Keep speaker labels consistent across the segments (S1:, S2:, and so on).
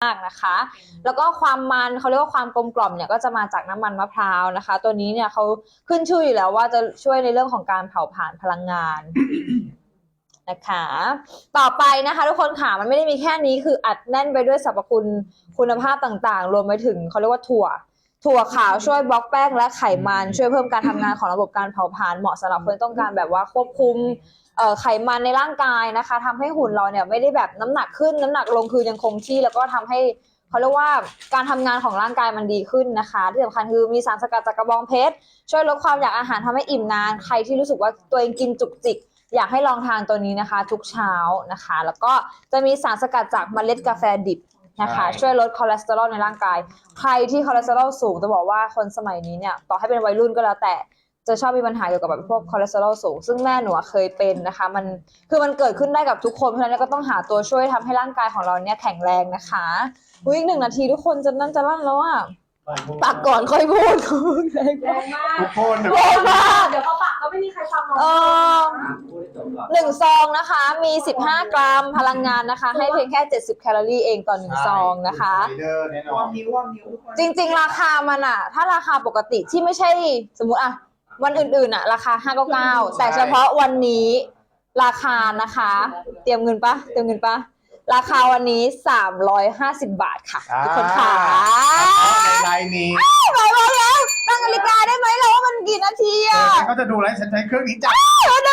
S1: มากนะคะแล้วก็ความมันเขาเรียกว่าความกลมกล่อมเนี่ยก็จะมาจากน้ำมันมะพร้าวนะคะตัวนี้เนี่ยเขาขึ้นชื่ออยู่แล้วว่าจะช่วยในเรื่องของการเผาผลาญพลังงาน นะคะต่อไปนะคะทุกคนค่ะมันไม่ได้มีแค่นี้คืออัดแน่นไปด้วยสรรพคุณคุณภาพต่างๆรวมไปถึงเขาเรียกว่าถั่วขาวช่วยบล็อกแป้งและไขมันช่วยเพิ่มการทำงานของระบบการเผาผลาญเหมาะสำหรับคนต้องการแบบว่าควบคุมไขมันในร่างกายนะคะทำให้หุ่นเราเนี่ยไม่ได้แบบน้ำหนักขึ้นน้ำหนักลงคือยังคงที่แล้วก็ทำให้เขาเรียกว่าการทำงานของร่างกายมันดีขึ้นนะคะที่สำคัญคือมีสารสกัดจากกระบองเพชรช่วยลดความอยากอาหารทำให้อิ่มนานใครที่รู้สึกว่าตัวเองกินจุกจิกอยากให้ลองทานตัวนี้นะคะทุกเช้านะคะแล้วก็จะมีสารสกัดจากเมล็ดกาแฟดิบนะคะช่วยลดคอเลสเตอรอลในร่างกายใครที่คอเลสเตอรอลสูงจะบอกว่าคนสมัยนี้เนี่ยต่อให้เป็นวัยรุ่นก็แล้วแต่จะชอบมีปัญหาเกี่ยวกับแบบพวกคอเลสเตอรอลสูงซึ่งแม่หนูเคยเป็นนะคะมันเกิดขึ้นได้กับทุกคนเพราะฉะนั้นก็ต้องหาตัวช่วยทำให้ร่างกายของเราเนี่ยแข็งแรงนะคะอีก1 นาทีทุกคนจะนั่นจะลั่นแล้วอ่ะปากก่อนค่อยพูดแรงมาก
S2: ทุกคน
S1: แรงมาก
S3: เดี๋ยวเขาปากก็ไม่มีใครฟังน้อง
S1: 1 ซองนะคะมี15 กรัมพลังงานนะคะให้เพียงแค่70 แคลอรี่เองต่อ1 ซองนะคะจริงๆราคามันอะถ้าราคาปกติที่ไม่ใช่สมมุติอะวันอื่นๆอะราคา599แต่เฉพาะวันนี้ราคานะคะเตรียมเงินปะราคาวันนี้350 บาทค่ะทุกคนค่ะ
S2: ในไลน์นี้
S1: ไปแล้วตั้งนาฬิกาได้ไหมเราว่ามันกี่นาทีอะ
S2: เขาจะดูไลฟ์ฉันใช้เครื่องนี้จ้ะ
S1: มัน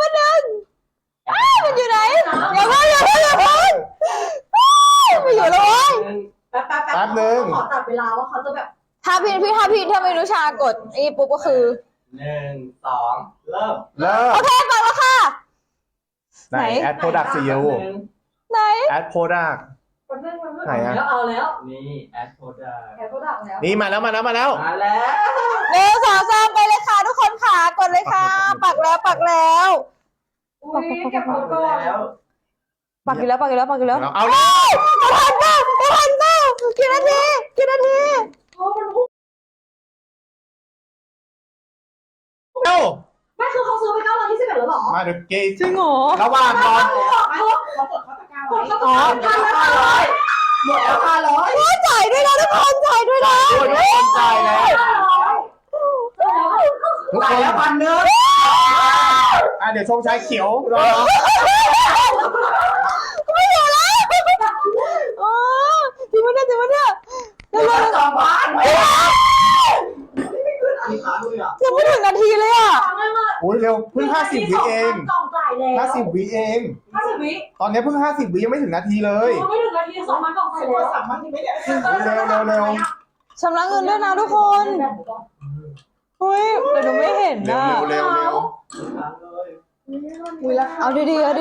S1: อยู่ไหนอย่าเพิ่งไปอยู่เลย
S3: แป๊บนึงขอตัดเวลาว่าเขาจะแบบ
S1: ถ้าพี่นุชากดอีปุ๊บก็คือ
S4: 1 2เริ่ม
S1: โอเคไปแล้วค่ะ
S2: ไหนแอดโปรดักต์ซีอู
S1: ไหน
S2: แอดโปรดักต์ไหนอะ
S3: เอาแล้ว
S4: นี่แอดโปรดักต์
S3: แล้ว
S2: นี่มาแล้ว
S4: 1 2
S1: 3ไปเลยค่ะทุกคนค่ะกดเลยค่ะปักแล้ว
S3: อุ้ยเก็บหมดก่อน
S1: ปักอยู่แล้ว
S2: เอาแล้ว
S1: ทันเปล่ากี่นาที
S2: เอ้า
S3: ไม่คือเขาซื้อไป921แล้วหรอ
S2: มาดูเกย์
S1: จริงเหรอ
S2: ระหว่างรอ
S3: เขากดเขาตะกร้าไว้หมดแล้ว500
S1: จ่ายด้วยนะทุกคนจ่ายด้วยนะ
S2: ทุกคนจ่ายแล้วทุกคน
S4: แล้ว1,000
S2: เดี๋ยวชงชายเขียวรอ
S1: ไม่อยู่แล้วจริงปะเนี่ย
S4: 2,000
S1: ยังไม่ถึงนาทีเลยอ่ะ
S2: โอ้ยเร็วเพิ่ง50 วิเอง50 วิเอง
S3: 50 วิ
S2: ตอนนี้เพิ่ง50 วิยังไม่ถึงนาทีเลย
S3: ไม่ถึงนาที2,000กล่องใส่แล้ว3,000ที่ไม่ได้
S2: เร็ว
S1: ชำระเงินด้วยนะทุกคนเฮ้ยแต่หนูไม่เห็นนะ
S2: เร็ว
S1: เอาดีๆ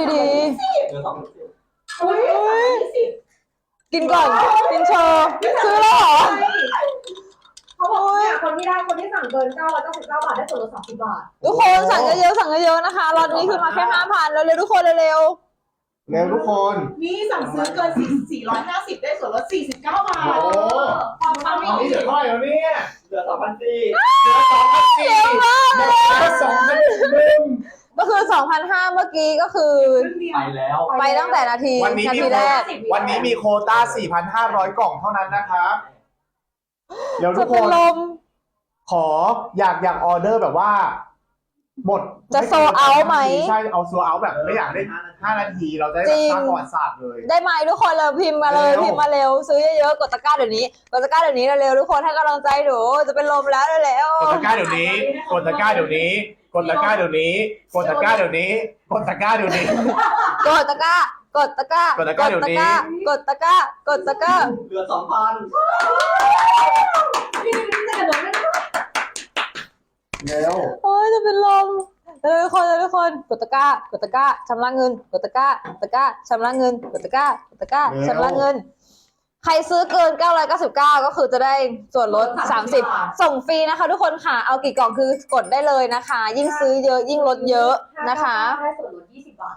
S1: กินก่อนกินโชว์ซื้อแล้วเหรอ
S3: เขาบอกเนี่ยคนที่สั่งเกิน999 บาทได้ส่วนลด30 บาท
S1: ทุกคนสั่งเยอะๆนะคะรอบนี้คือมาแค่ 5,000 เร็วๆทุกคนเร็ว
S2: ทุกคน
S3: นี่สั่งซื้อเกิน450ได้ส่วนลด49 บาท
S2: ความนี่เหลือเท่าไหร่แล้วเนี่ย
S4: เหลือ 2,400
S1: เยอะมาก
S2: เลย
S1: ก็คือ 2,500 เมื่อกี้ก็คือไปตั้งแต่นาทีแรก
S2: วันนี้มีโควต้า 4,500 กล่องเท่านั้นนะครับเดี๋ยวทุกคนขออยากออเดอร์แบบว่าหมด
S1: จะโซเอาไหม
S2: ใช่เอาโซเอาแบบไม่อยากได้5 นาทีเราจะได้สร้างประวัติศาสตร์เลย
S1: ได้ไหมทุกคนเลยพิมพ์มาเร็วซื้อเยอะๆกดตะกร้าเดี๋ยวนี้เร็วทุกคนให้กำลังใจหนูจะเป็นลมแล้วเร็ว
S2: กดตะกร้าเดี๋ยวนี้กดตะกร้าเดี๋ยวนี้กดตะกร้าเดี๋ยวนี้กดตะกร้าเดี๋ยวนี้กดตะกร้าเดี๋ยวนี้
S1: กดตะกร้ากดตะกร้ากดตะกร้าเดี๋ยวนี้กดตะกร้ากดตะกร้า
S4: เหลือ 2,000
S2: เร็ว
S1: โอ้ยจะเป็นลมทุกคนกดตะกร้าชำระเงินกดตะกร้าชำระเงินกดตะกร้าชำระเงินใครซื้อเกิน999ก็คือจะได้ส่วนลด30ส่งฟรีนะคะทุกคนค่ะเอากี่กล่องคือกดได้เลยนะคะยิ่งซื้อเยอะยิ่งลดเยอะนะคะ
S3: ได้ส่วนลด20 บาท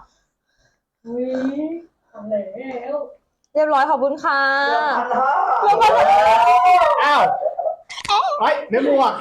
S1: เรียบร้อยขอบคุณค่ะ
S2: อ้าวเฮ้ยเนื้อหมวก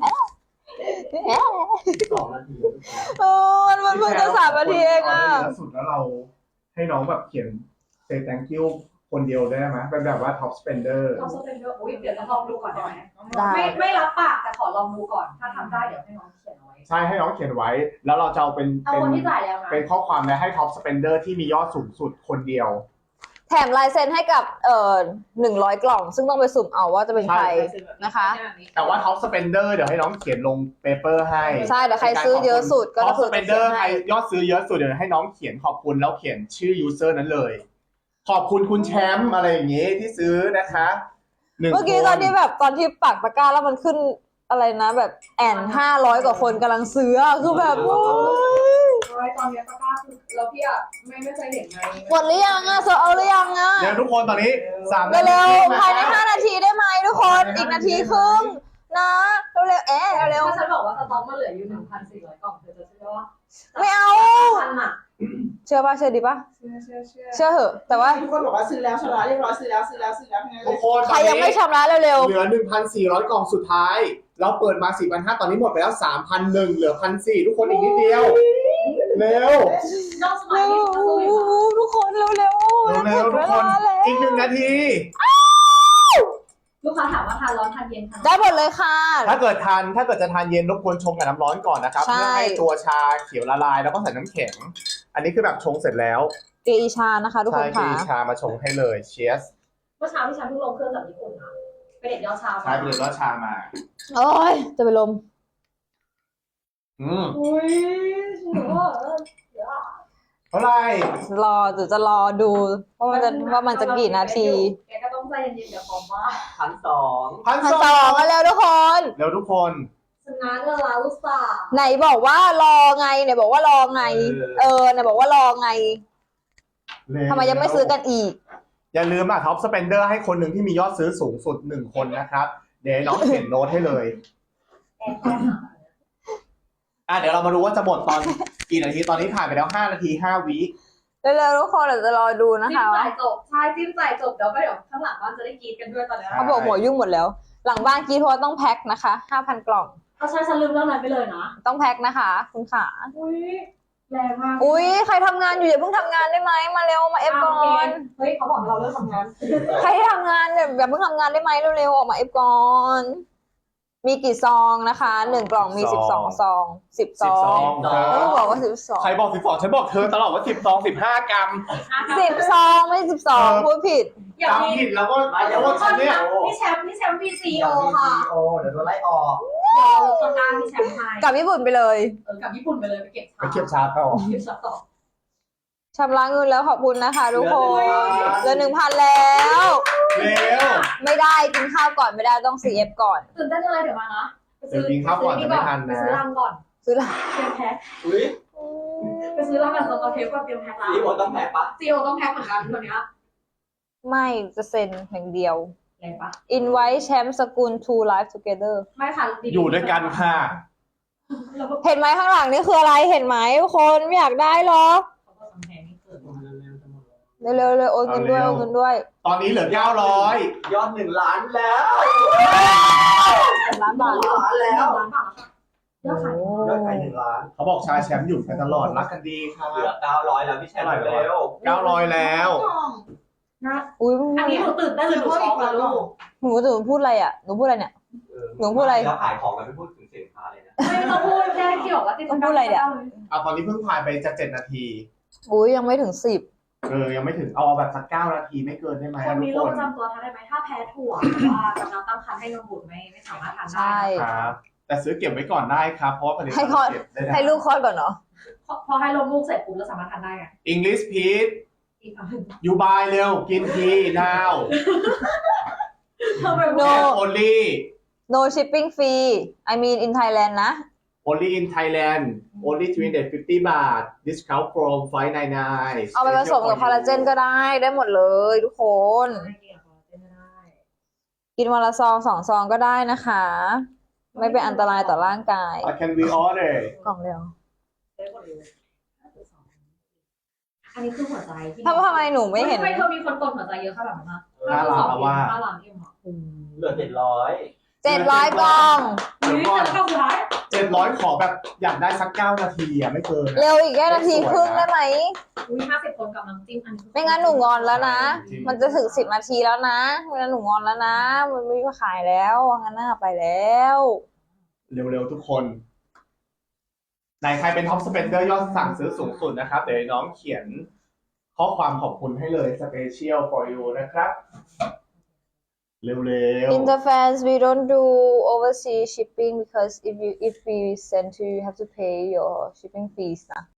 S4: 2 นาที
S1: มันเพิ่งจะ3 นาทีเองอ่ะ
S2: สุดแล้วเราให้น้องแบบเขียนsay thank you คนเดียวได้ไหมเป็นแบบว่าท็อปสเปนเดอร์
S3: ท็อปสเปนเดอร์อุ้ยเดี๋ยวจะลองดูก่อนได้ไหม
S1: ได้
S3: ไม่รับปากแต่ขอลองดูก่อน ถ้าทำได้เดี๋ยวให้น้องเขียนเอาไว้
S2: ใช่ให้น้องเขียนไว้ แล้วเราจะเอาเป็น
S3: เอาคนที่จ่ายแล้วนะ
S2: เป็นข้อความและให้ท็อปสเปนเดอร์ที่มียอดสูงสุดคนเดียว
S1: แถมลายเซ็นให้กับ100 กล่อง ซึ่งต้องไปสุ่มเอาว่าจะเป็นใครนะคะ
S2: แต่ว่าท็อปสเปนเดอร์เดี๋ยวให้น้องเขียนลงเปเปอร์ให้
S1: ใช่เดี๋ยวใครซื้อเยอะสุดก็
S2: ท็อป
S1: คื
S2: ส
S1: อ
S2: เป
S1: จะ
S2: นเด
S1: เขี
S2: อย
S1: น
S2: ร์ใคร
S1: ให้
S2: ยอดซื้อเยอะสุดเดี๋ยวให้น้องเขียนขอบคุณแล้วเขียนชื่อยูเซอร์นั้นเลย ขอบคุณคุณแชมป์อะไรอย่างงี้ที่ซื้อนะคะ1
S1: เมื่อกี้
S2: คน
S1: ตอนที่ปักตะกร้าแล้วมันขึ้นอะไรนะแบบ500 กว่าคนกำลังซื้ออะคือแบบโอ้ย
S3: ตอนนี้ตะกร้าคือแล้วพี่อ่ะไม่เคยเห็นไง
S1: หมดหรือยังอะโซเอาหรือยังอะ
S2: เดี๋ยวทุกคนตอนนี้3
S1: เร็วๆภายใน5 นาทีได้ไหมทุกคนอีกนาทีครึ่งนะเร็วๆเร็ว
S3: ถ้าฉันบอกว่าสต็อกมันเหลืออยู่ 1,400 กล่องเธอจะเชื่อว่า
S1: ๆไม่เอา
S3: พันอ่ะ
S1: เชื่อป่ะเชื่อดีป่ะ
S3: เชื่อ
S1: เชื่อเหอะ แต่ว่า
S5: ทุกคนบอกว่าซื้อแล้วชำระเรียบร้อยซื้อแล้วทั้งนั้นเล
S2: ทุก
S5: ย
S2: คน
S1: ใครยังไม่ชำระเร็ว
S2: เหลือ 1,400 กล่องสุดท้าย เราเปิดมา 4,500 ตอนนี้หมดไปแล้ว 3,100 เหลือ 1,400 ทุกคนอีกนิดเดียว เร็ว
S3: น้องส
S1: ๆ
S3: มัย
S1: เร็ว
S3: นี้เขาสู้อยู่ค่ะ
S1: ทุกคนเร็วๆ
S2: เร็วๆทุกคน
S1: แล้ว
S2: อีก1 นาที
S3: ลูกค้าถามว่าทานร้อนทานเย็นทาน
S1: ได้หมดเลยค่ะ
S2: ถ้าเกิดจะทานเย็นรบกวนชงกับน้ำร้อนก่อนนะครับ
S1: ใช่
S2: เพื่อให้ตัวชาเขียวละลายแล้วก็ใส่น้ำแข็ง อันนี้คือแบบชงเสร็จแล้ว
S1: เกอีชานะคะทุกค
S2: ใช่
S1: น
S2: กี
S1: ค่ะ
S2: ชามาชงให้เลยเชียส
S3: เมื่อเช้าที่ฉันเพิ่งลงเครื่องจากญี่ปุ่นนะไปเด็ดยอดชา
S2: ใช่ไปเลยว่าชามา
S1: โอ้ยจะไปลม
S3: อุ้ยหนูว่าเดี๋ยว
S2: เท่าไหร่
S1: จะรอดูว่ามันจะกี่นาที
S3: แกก็ต้องใจเย็นๆอย่าพร้อมว่า
S4: 1,200
S1: 1,200มาแล้วทุกคน
S2: เร็วทุกคน
S3: ชนะเงินล้านลูกสาว
S1: ไหนบอกว่ารอไงไหนบอกว่ารอไงไหนบอกว่ารอไง
S2: เร็ว
S1: ทำไมยังไม่ซื้อกันอีก
S2: อย่าลืมท็อปสเปนเดอร์ให้คนหนึ่งที่มียอดซื้อสูงสุด1 คนนะครับ เดี๋ยวน้องเขียนโน้ตให้เลย เดี๋ยวเรามาดูว่าจะหมดตอนกี่นาที ตอนนี้ผ่านไปแล้ว5 นาที 5 วิ
S1: เร็วๆทุกคนเดี๋ยวจะรอดูนะ
S3: จิ้ม
S1: คะ
S3: จ่ายจบใช่จิ้มจ่ายจบเดี๋ยวก็เดี๋ยวข้างหลังบ้านจะได้กรีดกันด้วยตอนนี้
S1: เขาบอกหมวยุ่งหมดแล้ว หลังบ้านกี้โทรต้องแพ็คนะคะ 5,000 กล่อง
S3: เอาใช่ฉันลืมเรื่องนั้นไปเลยนะ
S1: ต้องแพ็คนะคะ คุณขา
S3: อุ้ยแรงมาก
S1: อุ้ยใครทำงานอยู่อย่าเพิ่งทำงานได้ไหมมาเร็วมาเอฟก่อน
S3: เฮ้ยเขาบอกเราเลิกทำงาน
S1: ใครที่ทำงานอย่าเพิ่งทำงานได้ไหมเร็วๆออกมาเอฟก่อน มีกี่ซองนะคะ1 กล่องมี12 ซอง10 ซอง
S2: 12
S1: แล้วก็บอกว่า12
S2: ใครบอก12ฉันบอกเธอตลอดว่า15 กรัม
S1: 10 ซองไม่ใช่12พูดผิด
S3: อย่าง
S2: จำ
S3: นี้
S2: ผิดแล้วก็แล้วก็ฉันเนี่ย
S3: พี่แชมป์มีซีโอค่ะ
S4: โอเดี๋ยวโดนไล่ออก
S3: เดี๋ยวเราลดต้นกล้าพี่แชมป์ให้
S1: กลับญี่ปุ่นไปเลย
S3: กับญี่ปุ่นไปเลยไปเก็บ
S2: ไปเก็บชาต่อ
S3: เก็บช็อตต่อ
S1: ชำระเงินแล้วขอบคุณนะคะทุกคนเหลือ 1,000 แล้ว
S2: เร็ว
S1: ไม่ได้กินข้าวก่อนไม่ได้ต้อง CF ก่อน
S3: ตื่นเต้นอะไรเดี๋ยวมานะ
S2: เดี๋ยวกินข้าวก่อนจะไม่ทันนะ
S3: ไปซื้อรังก่อน
S1: ซื้อละ
S3: เตรียมแพ็ค
S4: อุ้ย
S3: ไปซื้อรังกับสกอตเทปก่อนเตรียมแพ็คละ
S4: ซีโอต้องแพ้ปะ
S3: ซีโอต้องแพ็คเหมือนกันตัวเนี้ย
S1: ไม่จะเซ็นอย่างเดียว
S3: แรงปะ
S1: Invite แชมป์สกุล to live together
S3: ไม่ค่ะ
S2: อยู่ด้วยกันค่ะ
S3: แล้วก็
S1: เห็นไหมข้างหลังนี่คืออะไรเห็นไหมทุกคนไม่อยากได้หรอ
S3: เขาก็ทำแพงนี่เกิน
S1: เร็วๆเลยโอนเงินด้วยโอนเงินด้วย
S2: ตอนนี้เหลือ 900
S4: ยอด1 ล้านแล้ว
S1: ล้านบาท
S4: 1 ล้านแล้ว
S3: ล้านบาทแล้วค่ะยอดขาย
S4: ยอดขาย1 ล้าน
S2: เขาบอกชาแชมป์อยู่กันตลอดรักกันดีค่ะ
S4: เหลือ900แล้วพี่แชมป์เร็ว
S2: 900 แล้ว
S3: นะ
S1: อุ้ย
S3: อันนี้หนูตื่นเต้นเลยหนูช็อกนะลูก
S1: หนูพูดอะไรอ่ะหนูพูดอะไรเนี่ย หนูพูดอะไร
S4: แล้วขายของกันไม่พูดถึงสินค้าเลยนะ
S3: ไม่ต้องพูดแค่ที่บอกว่าติด
S1: ต้องพูดอะไรเนี่ย
S2: ตอนนี้เพิ่งผ่านไปจะ7 นาที
S1: อุ้ยยังไม่ถึง10
S2: ยังไม่ถึงเอาแบบสัก9 นาทีไม่เกินได้ไหม
S3: คน
S2: ทุ
S3: มี
S2: ก
S3: โร
S2: ค
S3: คน ประจำตัวทานได้ไหมถ้าแพ้ถั่วหรือว่ากำลังตั้งครรภ์ให้นมบุตรไม่สามารถทานได้
S1: ใช่
S2: ครับ แต่ซื้อเก็บไว้ก่อนได้ครับ เพราะว่าผลิต
S1: ให้
S2: ภัณ
S1: คลอด
S2: ฑ์เก็บได้นะ
S1: ให้ลูกคลอดก่อนเนาะ
S3: พอให้ลมลูกเสร็จปุ๊บเราสามารถทานได้ไง
S2: English Peach
S3: อีกอันหนึ่ง
S2: you buy เร็วกินที now
S3: ทำไม
S1: No
S2: only
S1: no shipping fee I mean in Thailand นะ
S2: only in Thailand only 350 บาท discount from 599
S1: เอาไปผสมกับคอลลาเจนก็ได้หมดเลยทุกคน
S3: ไม่เกี่ยวกับเต้นไม่ได้
S1: กินวันละซอง2 ซองก็ได้นะคะ ไม่เป็นอันตรายต่อร่างกาย
S2: can we order
S1: กล่องเดียว
S3: ได้หมดเลยอันนี้คือหัวใจที่
S1: ทำไมหนูไม่เห็น
S3: ทำไมเธอมีคนกดหัวใจเยอะขนาดนั้นนะ
S2: 5 ล้านแล้วว่า
S3: 5 ล้านเอ็มอ่ะ
S4: เหลือ700
S1: 700 กล่อง
S2: เดี๋ยวก่อน
S3: เข้าสุดท้าย
S2: 700 ขอแบบอยากได้สัก 9 นาทีอะไม่เกิน
S1: เร็วอีกแค่นาทีครึ่งได้ไหม
S3: อุ้ย50 คนกับน้ำจิ้มอันนี้
S1: ไม่งั้นหนูงอนแล้วนะ มันจะถึง10 นาทีแล้วนะไม่งั้นหนูงอนแล้วนะ มันไม่มาขายแล้วงั้นน่าไปแล้ว
S2: เร็วๆทุกคนไหนใครเป็นท็อปสเปนเดอร์ยอดสั่งซื้อสูงสุดนะครับ เดี๋ยวน้องเขียนข้อความขอบคุณให้เลย Special for you นะครับ เร็วๆ
S1: Interfans we don't do overseas shipping because if we send to you have to pay your shipping fees นะ